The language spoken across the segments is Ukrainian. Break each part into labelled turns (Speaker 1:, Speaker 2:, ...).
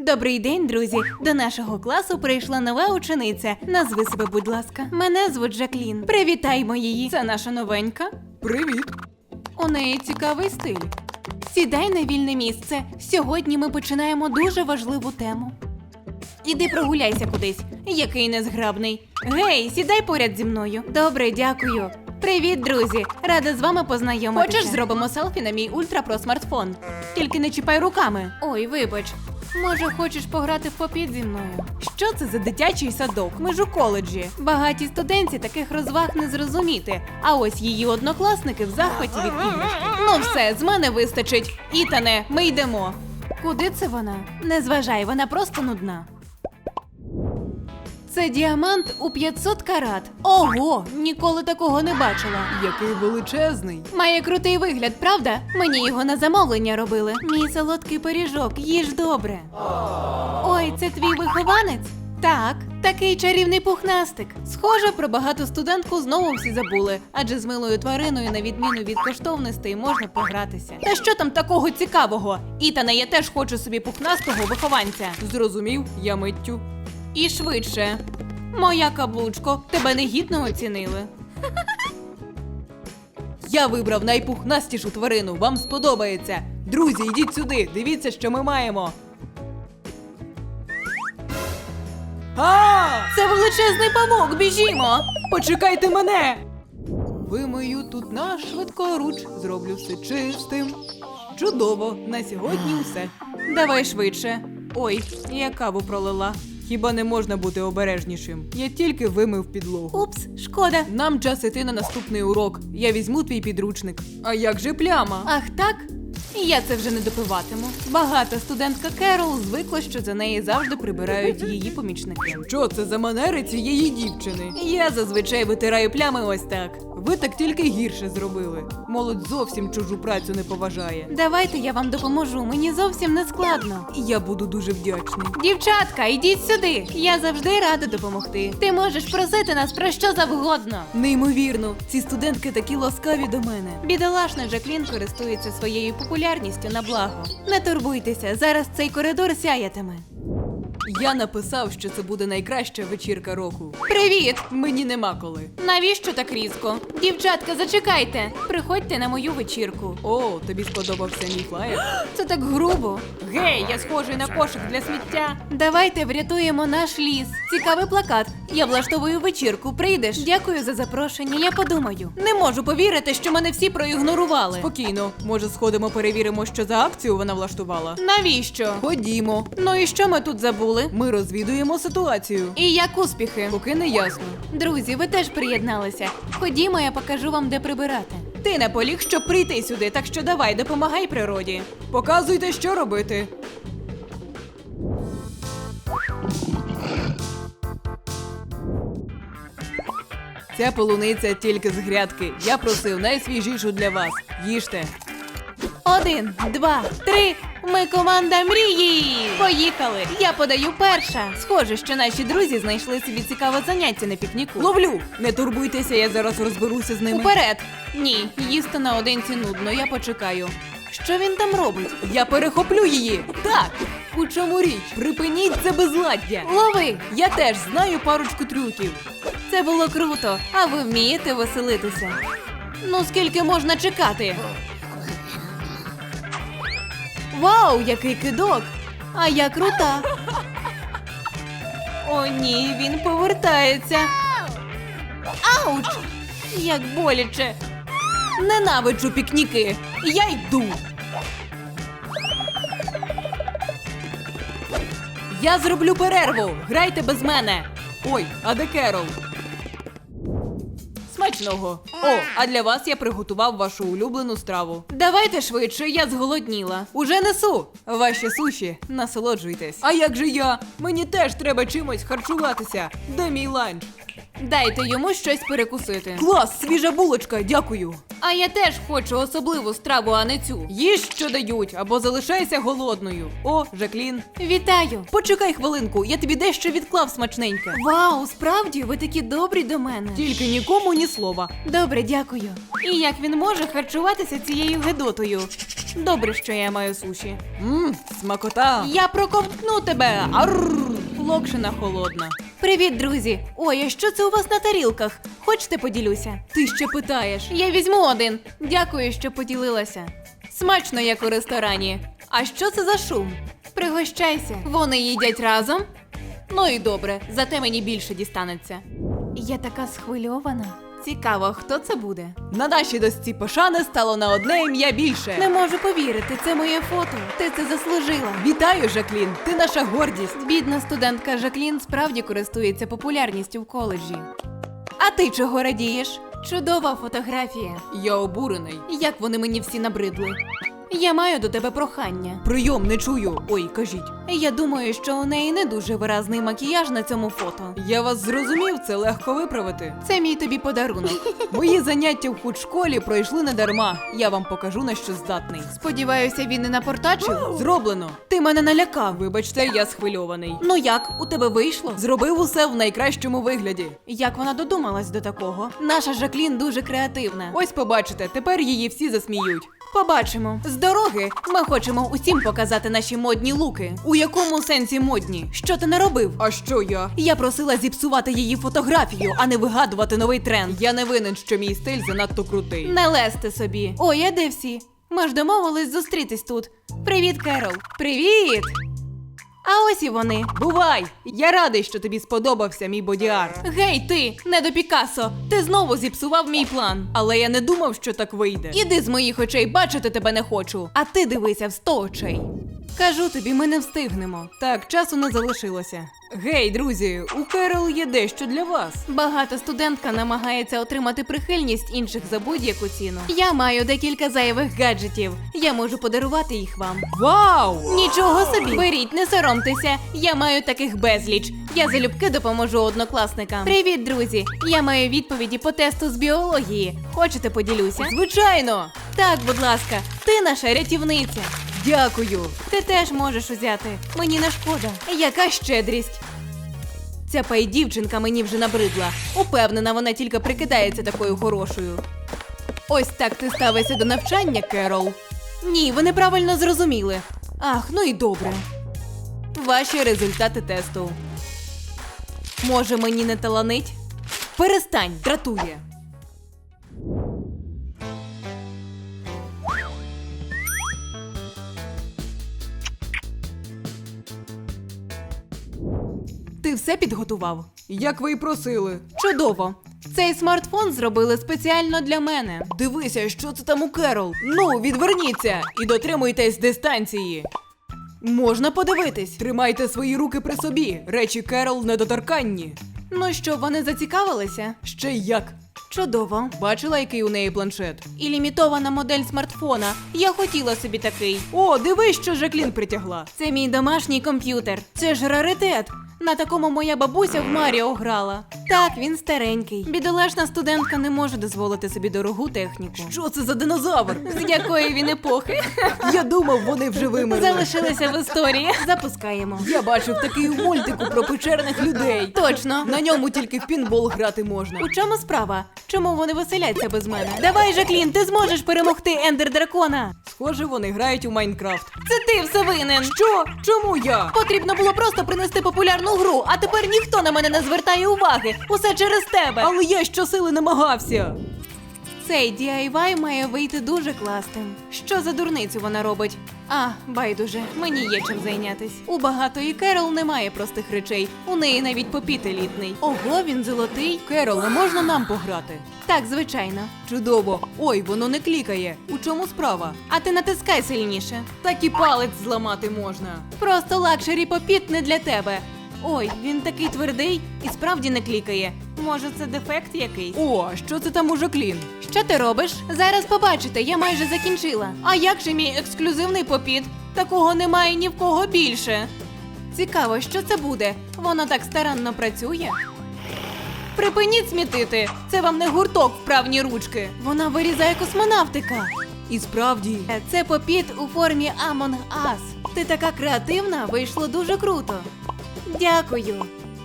Speaker 1: Добрий день, друзі! До нашого класу прийшла нова учениця. Назви себе, будь ласка. Мене звуть Жаклін. Привітаймо її. Це наша новенька.
Speaker 2: Привіт.
Speaker 1: У неї цікавий стиль. Сідай на вільне місце. Сьогодні ми починаємо дуже важливу тему. Іди прогуляйся кудись. Який незграбний. Гей, сідай поряд зі мною. Добре, дякую. Привіт, друзі! Рада з вами познайомитися. Хочеш, зробимо селфі на мій ультра-про смартфон? Тільки не чіпай руками. Ой, вибач. Може, хочеш пограти в попіт зі мною? Що це за дитячий садок? Ми ж у коледжі. Багаті студентці таких розваг не зрозуміти. А ось її однокласники в захваті від іграшки. Ну все, з мене вистачить. Ітане, ми йдемо. Куди це вона? Не зважай, вона просто нудна. Це діамант у 500 карат. Ого, ніколи такого не бачила.
Speaker 2: Який величезний.
Speaker 1: Має крутий вигляд, правда? Мені його на замовлення робили. Мій солодкий пиріжок, їж добре. Ой, це твій вихованець? Так, такий чарівний пухнастик. Схоже, про багату студентку знову всі забули, адже з милою твариною, на відміну від коштовностей, можна погратися. Та що там такого цікавого? Ітане, я теж хочу собі пухнастого вихованця.
Speaker 2: Зрозумів, я миттю.
Speaker 1: І швидше. Моя каблучко, тебе негідно оцінили.
Speaker 2: Я вибрав найпухнастішу тварину, вам сподобається. Друзі, йдіть сюди, дивіться, що ми маємо.
Speaker 1: Це величезний павук, біжімо!
Speaker 2: Почекайте мене! Вимию тут наш швидкоруч, зроблю все чистим. Чудово, на сьогодні все.
Speaker 1: Давай швидше. Ой, я каву пролила.
Speaker 2: Хіба не можна бути обережнішим? Я тільки вимив підлогу.
Speaker 1: Упс, шкода.
Speaker 2: Нам час іти на наступний урок. Я візьму твій підручник. А як же пляма?
Speaker 1: Ах так? Я це вже не допиватиму. Багата студентка Керол звикла, що за неї завжди прибирають її помічники.
Speaker 2: Що це за манери цієї дівчини?
Speaker 1: Я зазвичай витираю плями ось так.
Speaker 2: Ви так тільки гірше зробили. Молодь зовсім чужу працю не поважає.
Speaker 1: Давайте я вам допоможу, мені зовсім не складно.
Speaker 2: І я буду дуже вдячний.
Speaker 1: Дівчатка, йдіть сюди. Я завжди рада допомогти. Ти можеш просити нас про що завгодно.
Speaker 2: Неймовірно, ці студентки такі ласкаві до мене.
Speaker 1: Бідолашна Жаклін користується своєю популярністю на благо. Не турбуйтеся, зараз цей коридор сяятиме.
Speaker 2: Я написав, що це буде найкраща вечірка року.
Speaker 1: Привіт!
Speaker 2: Мені нема коли.
Speaker 1: Навіщо так різко? Дівчатка, зачекайте! Приходьте на мою вечірку.
Speaker 2: О, тобі сподобався мій флаєр?
Speaker 1: Це так грубо.
Speaker 2: Гей, я схожий на кошик для сміття.
Speaker 1: Давайте врятуємо наш ліс. Цікавий плакат. Я влаштовую вечірку. Прийдеш? Дякую за запрошення, я подумаю. Не можу повірити, що мене всі проігнорували.
Speaker 2: Спокійно, може сходимо перевіримо, що за акцію вона влаштувала?
Speaker 1: Навіщо?
Speaker 2: Ходімо.
Speaker 1: Ну і що ми тут забули?
Speaker 2: Ми розвідуємо ситуацію.
Speaker 1: І як успіхи?
Speaker 2: Поки не ясно.
Speaker 1: Друзі, ви теж приєдналися. Ходімо, я покажу вам, де прибирати. Ти наполіг, щоб прийти сюди, так що давай, допомагай природі.
Speaker 2: Показуйте, що робити. Ця полуниця тільки з грядки. Я просив найсвіжішу для вас. Їжте.
Speaker 1: 1, 2, 3. Ми команда мрії! Поїхали! Я подаю перша. Схоже, що наші друзі знайшли собі цікаве заняття на пікніку.
Speaker 2: Ловлю! Не турбуйтеся, я зараз розберуся з ними.
Speaker 1: Уперед! Ні, їсти наодинці нудно, я почекаю. Що він там робить?
Speaker 2: Я перехоплю її! Так! У чому річ? Припиніть це безладдя!
Speaker 1: Лови!
Speaker 2: Я теж знаю парочку трюків.
Speaker 1: Це було круто, а ви вмієте веселитися. Ну, скільки можна чекати? Вау, який кидок! А я крута! О ні, він повертається. Ауч! Як боляче!
Speaker 2: Ненавиджу пікніки! Я йду! Я зроблю перерву! Грайте без мене! Ой, а де Керол? Смачного! О, а для вас я приготував вашу улюблену страву.
Speaker 1: Давайте швидше, я зголодніла.
Speaker 2: Уже несу! Ваші суші, насолоджуйтесь. А як же я? Мені теж треба чимось харчуватися. Де мій ланч?
Speaker 1: Дайте йому щось перекусити.
Speaker 2: Клас, свіжа булочка, дякую.
Speaker 1: А я теж хочу особливу страву, а не цю.
Speaker 2: Їж, що дають, або залишайся голодною. О, Жаклін.
Speaker 1: Вітаю!
Speaker 2: Почекай хвилинку, я тобі дещо відклав смачненьке.
Speaker 1: Вау, справді, ви такі добрі до мене.
Speaker 2: Тільки нікому ні слова.
Speaker 1: Добре, дякую. І як він може харчуватися цією гедотою? Добре, що я маю суші.
Speaker 2: Смакота.
Speaker 1: Я проковтну тебе!
Speaker 2: Арррр, локшина холодна.
Speaker 1: Привіт, друзі! Ой, а що це у вас на тарілках? Хочете поділюся?
Speaker 2: Ти ще питаєш.
Speaker 1: Я візьму один. Дякую, що поділилася. Смачно, як у ресторані. А що це за шум? Пригощайся. Вони їдять разом? Ну і добре, зате мені більше дістанеться. Я така схвильована. Цікаво, хто це буде?
Speaker 2: На нашій досці пошани стало на одне ім'я більше.
Speaker 1: Не можу повірити, це моє фото. Ти це заслужила.
Speaker 2: Вітаю, Жаклін, ти наша гордість.
Speaker 1: Бідна студентка Жаклін справді користується популярністю в коледжі. А ти чого радієш? Чудова фотографія.
Speaker 2: Я обурений.
Speaker 1: Як вони мені всі набридли. Я маю до тебе прохання.
Speaker 2: Прийом не чую. Ой, кажіть.
Speaker 1: Я думаю, що у неї не дуже виразний макіяж на цьому фото.
Speaker 2: Я вас зрозумів, це легко виправити.
Speaker 1: Це мій тобі подарунок.
Speaker 2: Мої заняття в худшколі пройшли не дарма. Я вам покажу, на що здатний.
Speaker 1: Сподіваюся, він не напортачив?
Speaker 2: Зроблено.
Speaker 1: Ти мене налякав.
Speaker 2: Вибачте, я схвильований.
Speaker 1: Ну як, у тебе вийшло?
Speaker 2: Зробив усе в найкращому вигляді.
Speaker 1: Як вона додумалась до такого? Наша Жаклін дуже креативна.
Speaker 2: Ось побачите, тепер її всі засміють.
Speaker 1: Побачимо. З дороги ми хочемо усім показати наші модні луки.
Speaker 2: У якому сенсі модні?
Speaker 1: Що ти не робив?
Speaker 2: А що я?
Speaker 1: Я просила зіпсувати її фотографію, а не вигадувати новий тренд.
Speaker 2: Я не винен, що мій стиль занадто крутий.
Speaker 1: Не лезьте собі. Ой, а де всі? Ми ж домовились зустрітись тут. Привіт, Керол. Привіт! А ось і вони.
Speaker 2: Бувай! Я радий, що тобі сподобався мій боді-арт.
Speaker 1: Гей, ти, не до Пікассо, ти знову зіпсував мій план.
Speaker 2: Але я не думав, що так вийде.
Speaker 1: Іди з моїх очей, бачити тебе не хочу. А ти дивися в 100 очей. Кажу тобі, ми не встигнемо.
Speaker 2: Так, часу не залишилося. Гей, друзі, у Керол є дещо для вас.
Speaker 1: Багата студентка намагається отримати прихильність інших за будь-яку ціну. Я маю декілька зайвих гаджетів. Я можу подарувати їх вам.
Speaker 2: Вау!
Speaker 1: Нічого собі! Беріть, не соромтеся. Я маю таких безліч. Я залюбки допоможу однокласникам. Привіт, друзі! Я маю відповіді по тесту з біології. Хочете, поділюся?
Speaker 2: Звичайно!
Speaker 1: Так, будь ласка, ти наша рятівниця.
Speaker 2: Дякую!
Speaker 1: Ти теж можеш узяти. Мені не шкода. Яка щедрість. Ця пай-дівчинка мені вже набридла. Упевнена, вона тільки прикидається такою хорошою.
Speaker 2: Ось так ти ставишся до навчання, Керол.
Speaker 1: Ні, ви неправильно зрозуміли.
Speaker 2: Ах, ну і добре. Ваші результати тесту.
Speaker 1: Може, мені не таланить?
Speaker 2: Перестань, дратує.
Speaker 1: Ти все підготував?
Speaker 2: Як ви й просили.
Speaker 1: Чудово. Цей смартфон зробили спеціально для мене.
Speaker 2: Дивися, що це там у Керол. Ну, відверніться і дотримуйтесь дистанції.
Speaker 1: Можна подивитись.
Speaker 2: Тримайте свої руки при собі. Речі Керол недоторканні.
Speaker 1: Ну що, вони зацікавилися?
Speaker 2: Ще й як.
Speaker 1: Чудово.
Speaker 2: Бачила, який у неї планшет?
Speaker 1: І лімітована модель смартфона. Я хотіла собі такий.
Speaker 2: О, дивись, що Жаклін притягла.
Speaker 1: Це мій домашній комп'ютер. Це ж раритет. На такому моя бабуся в Маріо грала. Так, він старенький. Бідолашна студентка не може дозволити собі дорогу техніку.
Speaker 2: Що це за динозавр?
Speaker 1: З якої він епохи?
Speaker 2: Я думав, вони вже вимерли.
Speaker 1: Залишилися в історії. Запускаємо.
Speaker 2: Я бачив такий у мультику про печерних людей.
Speaker 1: Точно.
Speaker 2: На ньому тільки в пінбол грати можна.
Speaker 1: У чому справа? Чому вони веселяться без мене? Давай, Жаклін, ти зможеш перемогти Ендер-дракона.
Speaker 2: Схоже, вони грають у Майнкрафт.
Speaker 1: Це ти все винен.
Speaker 2: Що? Чому я?
Speaker 1: Потрібно було просто принести популярну гру, а тепер ніхто на мене не звертає уваги. Усе через тебе.
Speaker 2: Але я щосили намагався.
Speaker 1: Цей DIY має вийти дуже класним. Що за дурницю вона робить? А, байдуже, мені є чим зайнятись. У багатої Керол немає простих речей. У неї навіть попіт елітний. Ого, він золотий.
Speaker 2: Керол, не можна нам пограти?
Speaker 1: Так, звичайно.
Speaker 2: Чудово. Ой, воно не клікає. У чому справа?
Speaker 1: А ти натискай сильніше.
Speaker 2: Так і палець зламати можна.
Speaker 1: Просто лакшері попіт не для тебе. Ой, він такий твердий і справді не клікає. Може, це дефект якийсь?
Speaker 2: О, а що це там у Жаклін?
Speaker 1: Що ти робиш? Зараз побачите, я майже закінчила. А як же мій ексклюзивний попіт? Такого немає ні в кого більше. Цікаво, що це буде? Воно так старанно працює. Припиніть смітити! Це вам не гурток вправні ручки. Вона вирізає космонавтика.
Speaker 2: І справді,
Speaker 1: Це попіт у формі Among Us. Ти така креативна, вийшло дуже круто. Дякую.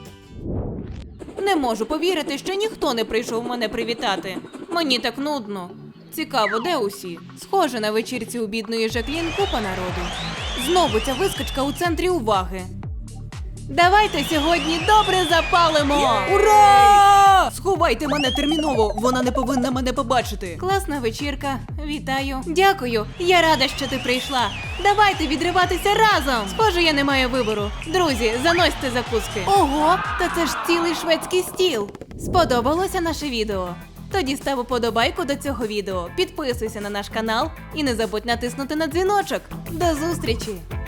Speaker 1: Не можу повірити, що ніхто не прийшов мене привітати. Мені так нудно. Цікаво, де усі? Схоже, на вечірці у бідної Жаклін купа народу. Знову ця вискочка у центрі уваги. Давайте сьогодні добре запалимо!
Speaker 2: ура! Сховайте мене терміново, вона не повинна мене побачити.
Speaker 1: Класна вечірка. Вітаю. Дякую. Я рада, що ти прийшла. Давайте відриватися разом. Схоже, я не маю вибору. Друзі, заносьте закуски. Ого, та це ж цілий шведський стіл. Сподобалося наше відео? Тоді став уподобайку до цього відео, підписуйся на наш канал і не забудь натиснути на дзвіночок. До зустрічі!